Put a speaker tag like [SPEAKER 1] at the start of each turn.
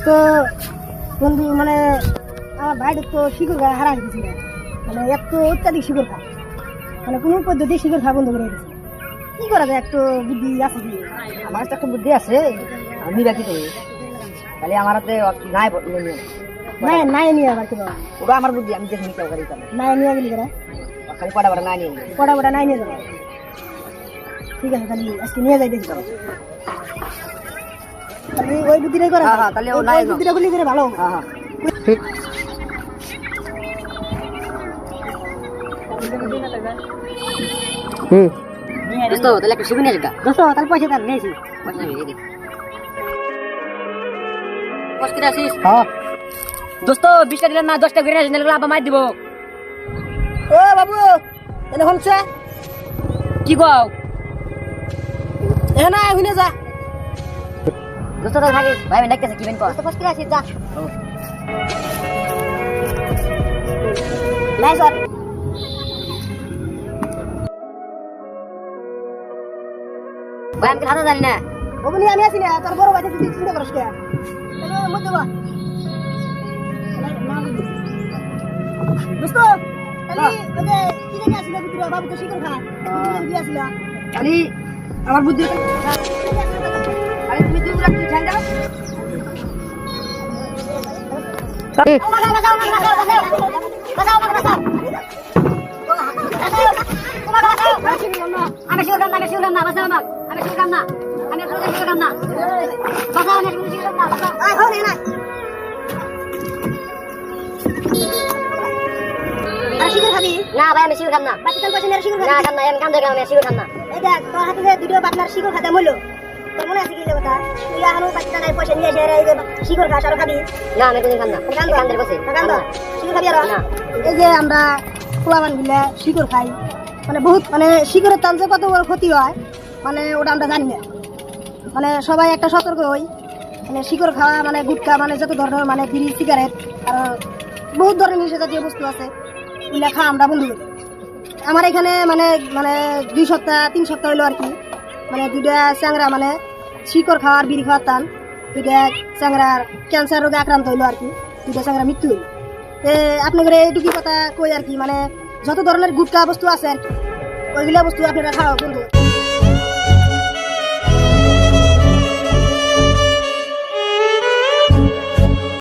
[SPEAKER 1] তো বন্ধু মানে আমার ভাইটা তো শিকড় খাওয়া হারা গেছে, মানে এত অত্যাধিক শিকড় খায়, মানে কোনো পদ্ধতি শিকড় খাওয়া বন্ধ করে গেছে। কি করা যায়, একটু বুদ্ধি আছে কি?
[SPEAKER 2] আমার তো একটা বুদ্ধি আছে, আমি রাখি তো তাহলে আমার হাতে নাই
[SPEAKER 1] নাই নাই নিয়ে আবার কি বাবা,
[SPEAKER 2] ওটা আমার বুদ্ধি, আমি দেখে নিতে পারি
[SPEAKER 1] নাই নিয়ে গেলি কেন?
[SPEAKER 2] খালি পড়া পড়া না নিয়ে
[SPEAKER 1] পড়া পড়া নাই নিয়ে যাবো, ঠিক আছে তাহলে আজকে নিয়ে যাই দেখি তাহলে ওই বুদ্ধিটাই করা।
[SPEAKER 2] হ্যাঁ, তাহলে ও নাই
[SPEAKER 1] বুদ্ধিটা করলে করে ভালো।
[SPEAKER 2] হ্যাঁ হ্যাঁ ঠিক। দোস্ত তাহলে একটু শিখে নিয়ে আসগা।
[SPEAKER 1] দোস্ত তাহলে পয়সা তার নিয়েছি।
[SPEAKER 2] পয়সা নিয়ে এদিক কষ্ট আসিস।
[SPEAKER 1] হ্যাঁ
[SPEAKER 2] দোস্ত 20টা দিলেন না, 10টা করে আসিস, নাহলে আবার মার দিব।
[SPEAKER 1] ও বাবু এনে হলছে
[SPEAKER 2] কি কও
[SPEAKER 1] এ না হুইনে যা।
[SPEAKER 2] দোস্ত তো থাকিস ভাই, আমি দেখতেছি কি বেন কর।
[SPEAKER 1] দোস্ত কষ্ট আসিস যা। নাই স্যার
[SPEAKER 2] ভাই আমি হাতে জানি না।
[SPEAKER 1] ওগুলি আমি আছি না, তোর বড় ভাই তুই চিন্তা করিস কে? মধ্যে বা দোস্ত তাহলে ওই যে কি জানি আসিল ভিতরে বাবু তো শিকড় খা বুদ্ধি আসিল।
[SPEAKER 2] খালি আমার বুদ্ধি, আরে তুমি দুই রাখ তুই ঠান্ডা
[SPEAKER 1] আমি শিকড় না, আমি শিকড় না, বাঁচাও আমাকে, আমি শিকড় না, আমি আপনাদের শিকড় না, বাঁচাও, আমি শিকড় না, বাঁচাও। আয় হো না শিকড় খাবি
[SPEAKER 2] না ভাই, আমি শিখে খাম না।
[SPEAKER 1] বাচ্চা পয়সা নিয়ে শিকড়
[SPEAKER 2] না
[SPEAKER 1] খাবি
[SPEAKER 2] খাম না, আমি কাম দেখলাম, আমি শিখে খাম না।
[SPEAKER 1] এই দেখ তোর হাতে যে দুটো পাতলার শিকড় খাতে মূল্য তোর মনে আছে কি যে কথা? তুই এখনো বাচ্চা নাই পয়সা নিয়ে এসে এই যে শিকড় খাস আর খাবি
[SPEAKER 2] না আমি কোনদিন খাম না, কান্দের বসে
[SPEAKER 1] শিকড় খাবি আর
[SPEAKER 2] না।
[SPEAKER 1] এই যে আমরা পোলাবান গুলা শিকড় খাই, মানে বহুত মানে শিকড়ের টান যে কত বড় ক্ষতি হয় মানে ওটা আমরা জানি না। মানে সবাই একটা সতর্ক হই, মানে শিকড় খাওয়া মানে গুটখা মানে যত ধরনের মানে বিড়ি সিগারেট আর বহুত ধরনের নিশা জাতীয় বস্তু আছে এগুলা খা আমরা বন্ধু করি। আমার এখানে মানে মানে 2 সপ্তাহ 3 সপ্তাহ হইলো আর কি, মানে দুইটা চ্যাংরা মানে শিকড় খাওয়ার বিড়ি খাওয়ার টান, দুইটা চ্যাংরার ক্যান্সার রোগে আক্রান্ত হইলো আর কি, দুইটা চ্যাংরা মৃত্যু হইলো। আপনাদের এইটুকু কথা কই আর কি, মানে যত ধরনের গুটখা বস্তু আছে আর কি ওইগুলা বস্তু আপনারা খাওয়া বন্ধু।